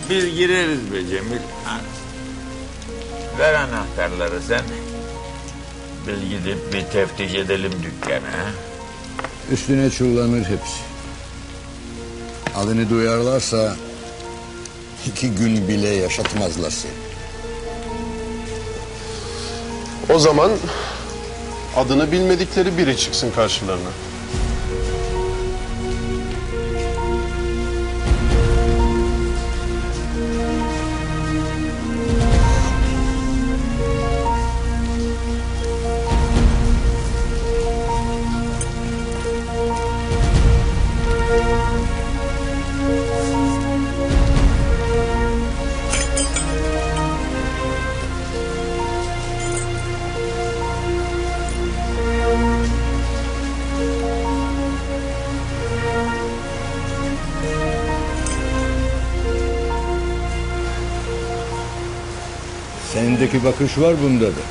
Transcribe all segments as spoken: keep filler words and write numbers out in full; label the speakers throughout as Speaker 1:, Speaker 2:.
Speaker 1: Biz gireriz be Cemil. Ha. Ver anahtarları sen. Biz gidip bir teftiş edelim dükkanı. Ha?
Speaker 2: Üstüne çullanır hepsi. Adını duyarlarsa iki gün bile yaşatmazlar seni.
Speaker 3: O zaman adını bilmedikleri biri çıksın karşılarına.
Speaker 2: Sendeki bakış var bunda da.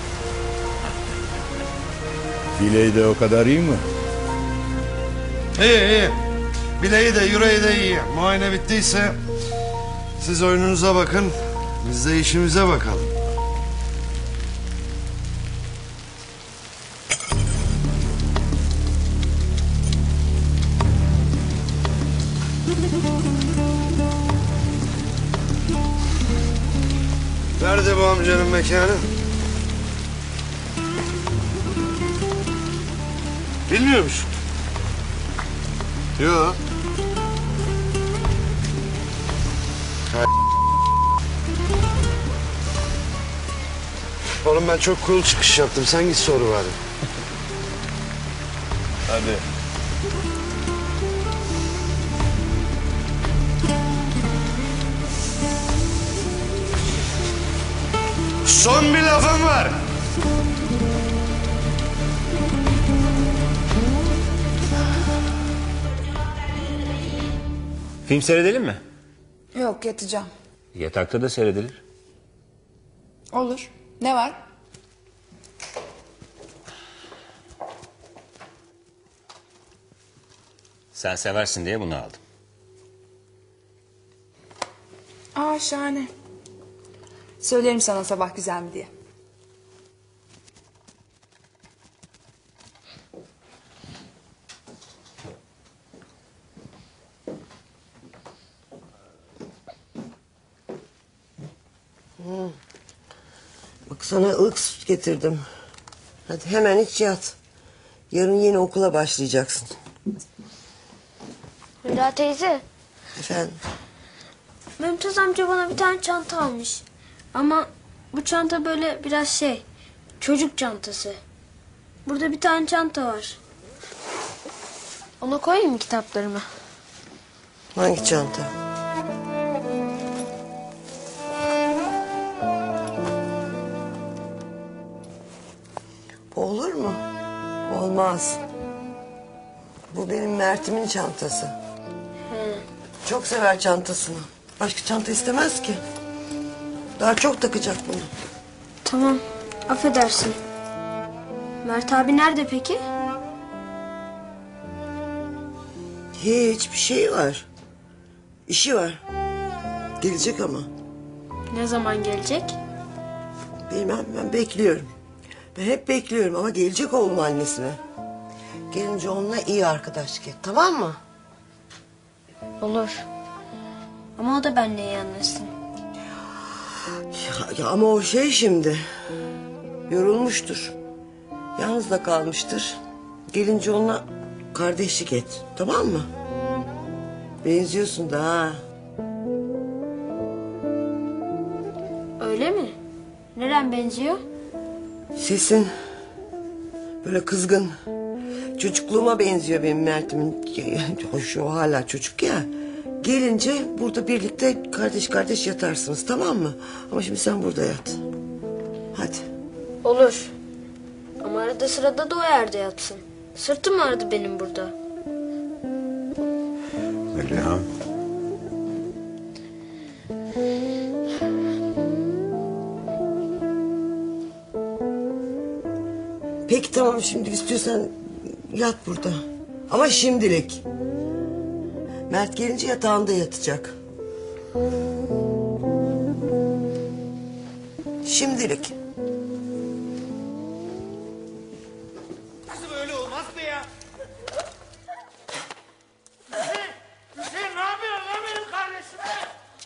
Speaker 2: Bileği de o kadar iyi mi?
Speaker 4: İyi iyi. Bileği de yüreği de iyi. Muayene bittiyse siz oyununuza bakın. Biz de işimize bakalım. Nerede bu amcanın mekanı? Bilmiyor musun?
Speaker 3: Yok.
Speaker 4: Oğlum ben çok cool çıkış yaptım. Sen git soru bari.
Speaker 3: Hadi.
Speaker 4: Son bir lafım var.
Speaker 5: Film seyredelim mi?
Speaker 6: Yok, yatacağım.
Speaker 5: Yatakta da seyredilir.
Speaker 6: Olur. Ne var?
Speaker 5: Sen seversin diye bunu aldım.
Speaker 6: Aa, şahane. Söylerim sana sabah güzel mi diye.
Speaker 7: Hmm. Bak sana ılık süt getirdim. Hadi hemen iç yat. Yarın yeni okula başlayacaksın.
Speaker 8: Hülya teyze,
Speaker 7: Efendim?
Speaker 8: Mümtaz amca bana bir tane çanta almış. Ama bu çanta böyle biraz şey, çocuk çantası. Burada bir tane çanta var. Ona koyayım mı kitaplarımı?
Speaker 7: Hangi çanta? Bu olur mu? Olmaz. Bu benim Mert'imin çantası.
Speaker 8: Hı.
Speaker 7: Çok sever çantasını. Başka çanta istemez ki. Daha çok takacak bunu.
Speaker 8: Tamam, affedersin. Mert abi nerede peki?
Speaker 7: Hiçbir şey var. İşi var. Gelecek ama.
Speaker 8: Ne zaman gelecek?
Speaker 7: Bilmem, ben bekliyorum. Ben hep bekliyorum ama gelecek oğlum annesine. Gelince onunla iyi arkadaşlık et, tamam mı?
Speaker 8: Olur. Ama o da benimle iyi anlaşsın.
Speaker 7: Ya, ya ama o şey şimdi. Yorulmuştur. Yalnız da kalmıştır. Gelince onunla kardeşlik et, tamam mı? Benziyorsun da ha.
Speaker 8: Öyle mi? Neren benziyor?
Speaker 7: Sesin böyle kızgın. Çocukluğuma benziyor benim Mert'imin. Hoş, o hala çocuk ya. Gelince burada birlikte kardeş kardeş yatarsınız, tamam mı? Ama şimdi sen burada yat. Hadi.
Speaker 8: Olur. Ama arada sırada da o yerde yatsın. Sırtım ağrıdı benim burada.
Speaker 1: Öyle ha.
Speaker 7: Peki tamam, şimdi istiyorsan yat burada. Ama şimdilik. Mert gelince yatağında yatacak. Şimdilik.
Speaker 9: Kızım öyle olmaz mı ya? Hüseyin, Hüseyin ne yapıyorsun lan benim kardeşime?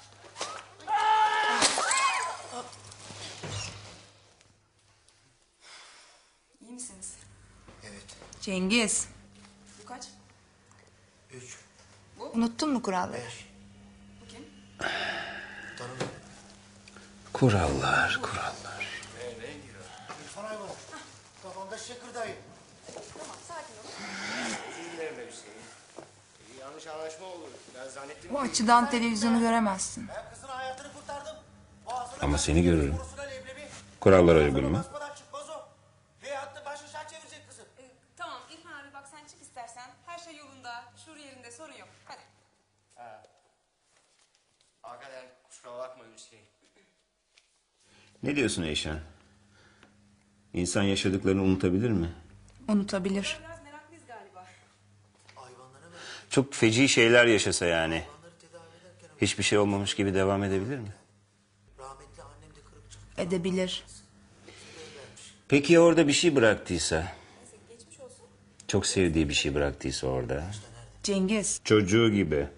Speaker 6: İyi misiniz?
Speaker 2: Evet.
Speaker 6: Cengiz. Bu kaç?
Speaker 2: Üç.
Speaker 6: Unuttun mu kuralları?
Speaker 2: Beş.
Speaker 6: Bu kim?
Speaker 2: Tanımıyorum.
Speaker 5: Kurallar, kurallar.
Speaker 2: İrfan Ayvalı. Kafamda şakırdayım.
Speaker 6: Tamam sakin ol.
Speaker 9: Yanlış anlaşma oldu. Ben zannettim
Speaker 6: Bu açıdan televizyonu göremezsin.
Speaker 9: ben kızın hayatını kurtardım.
Speaker 5: Ama seni görürüm. Kurallara uygun mu?
Speaker 9: Çıkmaz o. Veyahut da başka şart çevirecek kızı.
Speaker 10: Ee, tamam İrfan abi bak sen çık istersen. Her şey yolunda, şur yerinde sorun yok. Hadi.
Speaker 9: Hakikaten kusura bakma Hüseyin.
Speaker 5: Ne diyorsun Eyşan? İnsan yaşadıklarını unutabilir mi?
Speaker 6: Unutabilir.
Speaker 10: Biraz meraklıyız galiba.
Speaker 5: Çok feci şeyler yaşasa yani. Hiçbir şey olmamış gibi devam edebilir mi?
Speaker 2: Rahmetli annem de kırık çıktı.
Speaker 6: Edebilir.
Speaker 5: Peki ya orada bir şey bıraktıysa? Çok sevdiği bir şey bıraktıysa orada.
Speaker 6: Cengiz.
Speaker 5: Çocuğu gibi.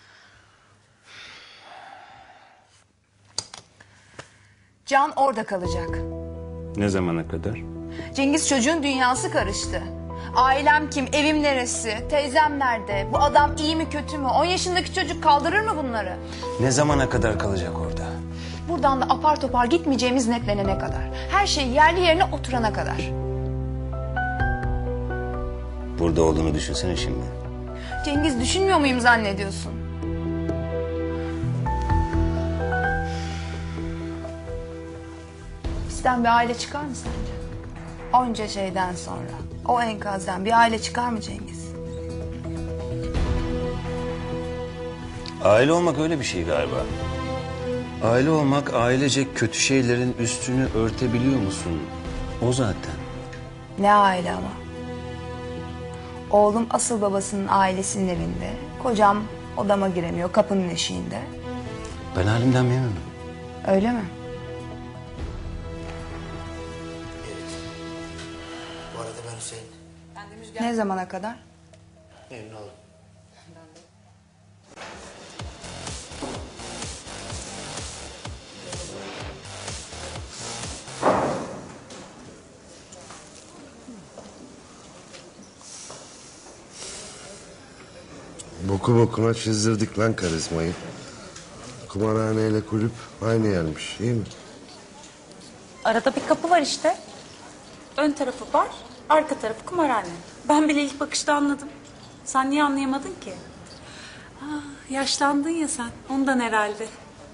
Speaker 6: Can orada kalacak.
Speaker 5: Ne zamana kadar?
Speaker 6: Cengiz çocuğun dünyası karıştı. Ailem kim, evim neresi, teyzem nerede, bu adam iyi mi kötü mü, on yaşındaki çocuk kaldırır mı bunları?
Speaker 5: Ne zamana kadar kalacak orada?
Speaker 6: Buradan da apar topar gitmeyeceğimiz netlenene kadar. Her şey yerli yerine oturana kadar.
Speaker 5: Burada olduğunu düşünsene şimdi.
Speaker 6: Cengiz düşünmüyor muyum zannediyorsun? Bizden bir aile çıkar mı sence? Onca şeyden sonra. O enkazdan bir aile çıkar mı Cengiz?
Speaker 5: Aile olmak öyle bir şey galiba. Aile olmak ailecek kötü şeylerin üstünü örtebiliyor musun? O zaten.
Speaker 6: Ne aile ama. Oğlum asıl babasının ailesinin evinde. Kocam odama giremiyor kapının eşiğinde.
Speaker 5: Ben halimden memnunum.
Speaker 6: Öyle mi?
Speaker 2: Bu arada ben Hüseyin.
Speaker 10: Ben de Müjgan.
Speaker 6: Ne zamana kadar?
Speaker 2: Memnun oldum.
Speaker 4: Boku bokuna çizdirdik lan karizmayı. Kumarhaneyle kulüp aynı yermiş, iyi mi?
Speaker 10: Arada bir kapı var işte. Ön tarafı bar, arka tarafı kumarhane. Ben bile ilk bakışta anladım. Sen niye anlayamadın ki? Ah, yaşlandın ya sen, ondan herhalde.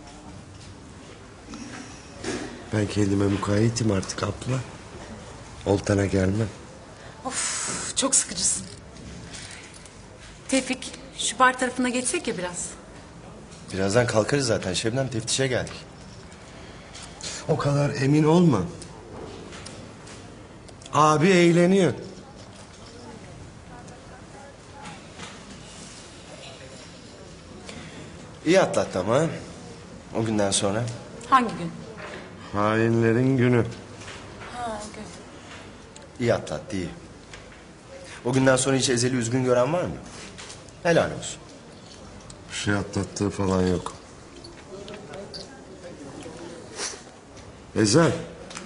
Speaker 4: Ben kendime mukayyetim artık abla. Oltana gelmem.
Speaker 10: Of, çok sıkıcısın. Tevfik, şu bar tarafına geçsek ya biraz.
Speaker 11: Birazdan kalkarız zaten. Şebnem teftişe geldik.
Speaker 4: O kadar emin olma. Abi eğleniyor.
Speaker 11: İyi atlattı ama. ha? O günden sonra.
Speaker 10: Hangi gün?
Speaker 4: Hainlerin günü.
Speaker 10: Ha, gün.
Speaker 11: İyi atlattı iyi. O günden sonra hiç Ezel'i üzgün gören var mı? Helal olsun.
Speaker 4: Bir şey atlattığı falan yok. Ezel.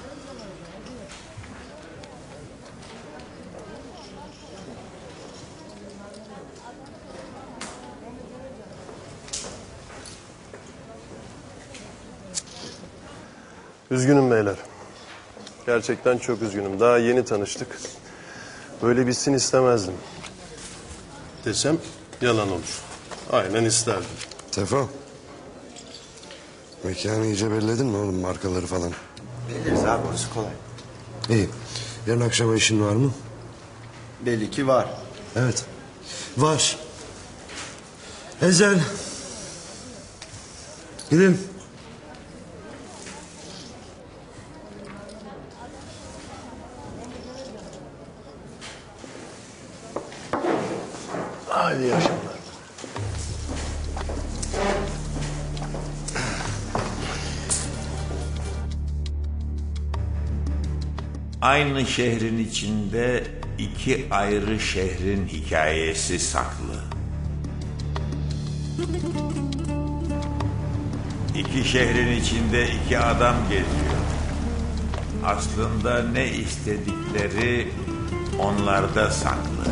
Speaker 3: Üzgünüm beyler. Gerçekten çok üzgünüm. Daha yeni tanıştık. Böyle bitsin istemezdim. Desem yalan olur. Aynen isterdim.
Speaker 4: Tefo. Mekanı iyice belledin mi oğlum, markaları falan?
Speaker 11: Biliriz abi, orası kolay.
Speaker 4: İyi. Yarın akşama işin var mı?
Speaker 11: Belli ki var.
Speaker 4: Evet. Var. Ezel. Gidelim.
Speaker 3: Hadi yaşamlar.
Speaker 1: Aynı şehrin içinde iki ayrı şehrin hikayesi saklı. İki şehrin içinde iki adam geziyor. Aslında ne istedikleri onlarda saklı.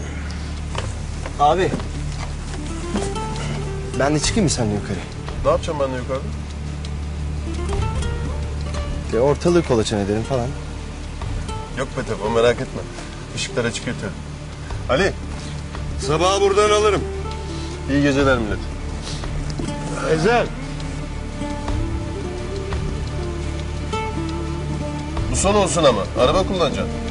Speaker 11: Abi. Ben de çıkayım mı seninle yukarı?
Speaker 3: Ne yapacağım ben de yukarıda?
Speaker 11: De ortalığı kolaçan edelim falan.
Speaker 3: Yok be Tefo, merak etme. Işıklar açık yeter. Ali,
Speaker 4: Sabahı buradan alırım.
Speaker 3: iyi geceler millet.
Speaker 4: Ezel.
Speaker 3: Bu son olsun ama. Araba kullanacaksın.